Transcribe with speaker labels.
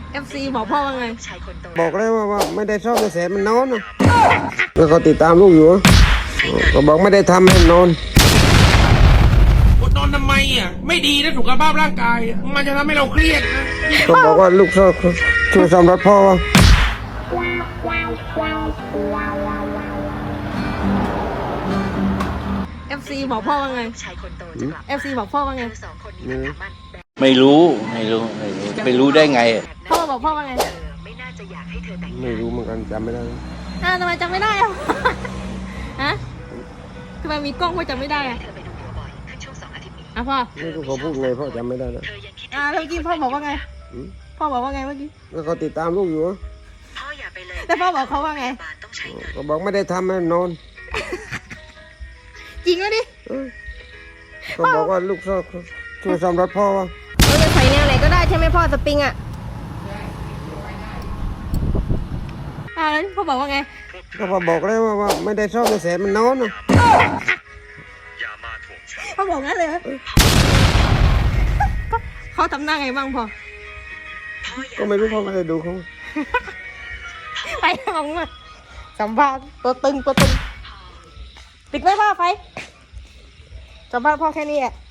Speaker 1: FC บอกพ่อว่าไง
Speaker 2: บอกเลยว่าไม่ได้ชอบในแสนมันนอนนะแล้วก็ติดตามลูกอยู่ก็บอกไม่ได้ทำให้นอน
Speaker 3: นอนทำไมอ่ะไม่ดีนะสุขภาพร่างกายมันจะทำให้เราเครียดนะ
Speaker 2: ก็บอกว่าลูกชอบช่วยซ่อมรถพ่อว่า
Speaker 1: FC บอกพ่อว่าไงFC บอกพ่อว่าไง
Speaker 4: ไม่รู้ไปรู้ได้ไง
Speaker 1: พ่อบอกพ่อว่าไง
Speaker 2: ไม่รู้เหมือนกันจำไม่ได้
Speaker 1: ทำไมจำไม่ได้อะฮะทำไมมีกล้องพ่อจำไม่ได้อะพ่อ
Speaker 2: ไม่รู้เขาพูดไงพ่อจำไม่ได้แล้ว
Speaker 1: แล้วเมื่อกี้พ่อบอกว่าไงพ่อบอกว่าไงเมื่อกี้
Speaker 2: แล้วก็ติดตามลูกอยู่
Speaker 1: แต่พ่อบอกเขาว่าไง
Speaker 2: ก็บอกไม่ได้ทำให้นอน
Speaker 1: จริงไหมดิ
Speaker 2: ก็บอกว่าลูกชอบช่วยซ่อมรถพ่อว่า
Speaker 1: เราจะใส่แนวไหนก็ได้ใช่ไหมพ่อสปริงอ่ะแล้วพ่อบอกว่าไง
Speaker 2: ก็พอบอกเลยว่าไม่ได้ชอบในแสนมันนอนนะ
Speaker 1: พ่อบอกงั้นเลยเขาทำหน้าไงบ้างพ่อ
Speaker 2: ก็ไม่รู้พ่อไม่ได้ดูเขา
Speaker 1: ไปมองมาสัมภาษณ์ตัวตึงปิดไว้พ่อไฟสัมภาษณ์พ่อแค่นี้อ่ะ